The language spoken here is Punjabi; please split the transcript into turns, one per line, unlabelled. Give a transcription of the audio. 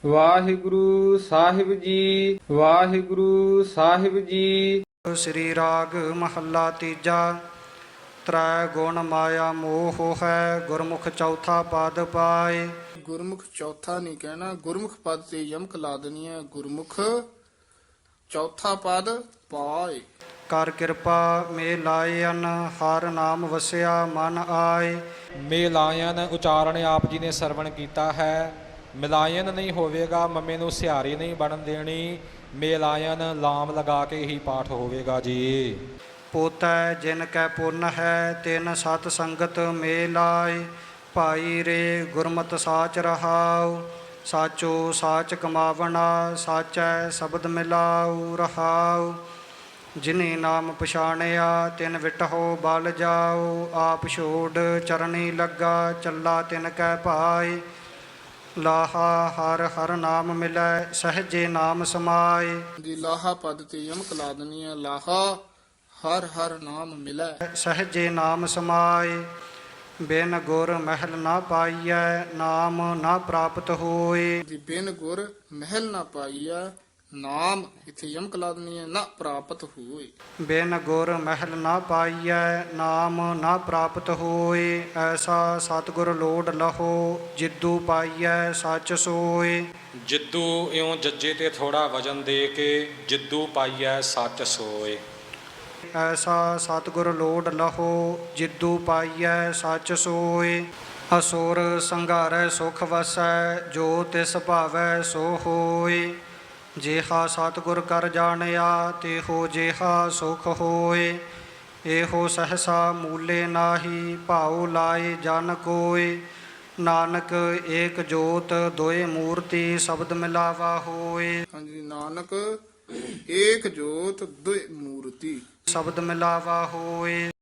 ਵਾਹਿਗੁਰੂ ਸਾਹਿਬ ਜੀ, ਵਾਹਿਗੁਰੂ ਸਾਹਿਬ ਜੀ।
ਸ੍ਰੀ ਰਾਗ ਮਹੱਲਾ ਤੀਜਾ। ਤ੍ਰੈ ਗੁਣ ਮਾਇਆ ਮੋਹ ਹੈ, ਗੁਰਮੁਖ ਚੌਥਾ ਪਦ ਪਾਏ।
ਗੁਰਮੁਖ ਚੌਥਾ ਨਹੀਂ ਕਹਿਣਾ, ਗੁਰਮੁਖ ਪਦ ਤੇ ਯਮਕ ਲਾ ਦੇਣੀ ਹੈ। ਗੁਰਮੁਖ ਚੌਥਾ ਪਦ ਪਾਏ।
ਕਰ ਕਿਰਪਾ ਮੇ ਲਾਇਨ, ਹਰ ਨਾਮ ਵਸਿਆ ਮਨ ਆਏ।
ਮਿਲਾਇਨ ਉਚਾਰਨ ਆਪ ਜੀ ਨੇ ਸਰਵਣ ਕੀਤਾ ਹੈ। ਮਿਲਾਇਨ ਨਹੀਂ ਹੋਵੇਗਾ, ਮੰਮੇ ਨੂੰ ਸਿਹਾਰੀ ਨਹੀਂ ਬਣਨ ਦੇਣੀ। ਮਿਲਾਇਨ ਲਾਮ ਲਗਾ ਕੇ ਹੀ ਪਾਠ ਹੋਵੇਗਾ ਜੀ।
ਪੋਤੈ ਜਿਨ ਕੈ ਪੁੰਨ ਹੈ, ਤਿਨ ਸਤ ਸੰਗਤ ਮੇ ਲਾਏ। ਭਾਈ ਰੇ ਗੁਰਮਤਿ ਸਾਚ ਰਹਾਉ, ਸਾਚੋ ਸਾਚ ਕਮਾਵਣਾ। ਸਾਚੈ ਸ਼ਬਦ ਮਿਲਾਉ ਰਹਾਉ, ਜਿਨੀ ਨਾਮ ਪਛਾਣਿਆ। ਤਿਨ ਵਿਟਹੁ ਬਲ ਜਾਉ, ਆਪ ਛੋੜ ਚਰਣੀ ਲੱਗਾ। ਚੱਲਾ ਤਿਨ ਕੈ ਭਾਈ, ਲਾਹਾ ਹਰ ਹਰ ਨਾਮ ਮਿਲੈ। ਸਹਜੇ ਨਾਮ ਸਮਾਏ।
ਦੀ ਲਾਹਾ ਪਦ ਤੇ ਯਮਕ ਲਾ ਦੇਣੀ ਹੈ। ਲਾਹਾ ਹਰ ਹਰ ਨਾਮ ਮਿਲੈ।
ਸਹਜੇ ਨਾਮ ਸਮਾਏ। ਬਿਨ ਗੁਰ ਮਹਿਲ ਨਾ ਪਾਈਐ, ਨਾਮ ਨਾ ਪ੍ਰਾਪਤ ਹੋਏ।
ਦੀ ਬਿਨ ਗੁਰ ਮਹਿਲ ਨਾ ਪਾਈਆ, ਨਾਮ ਇਥੇ ਯਮਕ ਲਾ ਦੇਣੀ ਹੈ। ਨਾ ਪ੍ਰਾਪਤ ਹੋਏ।
ਬਿਨ ਗੁਰ ਮਹਿਲ ਨਾ ਪਾਈਐ, ਨਾਮ ਨਾ ਪ੍ਰਾਪਤ ਹੋਏ। ਐਸਾ ਸਤਿਗੁਰ ਲੋੜ ਲਹੋ, ਜਿੱਦੂ ਪਾਈਐ ਸੱਚ ਸੋਏ।
ਜਿੱਦੂ ਇਉਂ ਜੱਜੇ ਤੇ ਥੋੜਾ ਵਜਨ ਦੇ ਕੇ, ਜਿੱਦੂ ਪਾਈਐ ਸੱਚ ਸੋਏ।
ਐਸਾ ਸਤਿਗੁਰ ਲੋੜ ਲਹੋ, ਜਿੱਦੂ ਪਾਈਐ ਸੱਚ ਸੋਏ। ਅਸੁਰ ਸੰਘਾਰੈ ਸੁਖ ਵਸੈ, ਜੋ ਤਿਸ ਭਾਵੈ ਸੋ ਹੋਏ। ਜਿਹਾ ਸਤਿਗੁਰ ਕਰ ਜਾਣਿਆ, ਤਿਹੋ ਜਿਹਾ ਸੁਖ ਹੋਏ। ਇਹੋ ਸਹਸਾ ਮੂਲੇ ਨਾਹੀ, ਭਾਉ ਲਾਏ ਜਨ ਕੋਇ। ਨਾਨਕ ਏਕ ਜੋਤ ਦੋਇ ਮੂਰਤੀ, ਸ਼ਬਦ ਮਿਲਾਵਾ ਹੋਏ।
ਹਾਂਜੀ, ਨਾਨਕ ਏਕ ਜੋਤ ਦੁਇ ਮੂਰਤੀ।
ਸ਼ਬਦ ਮਿਲਾਵਾ ਹੋਏ।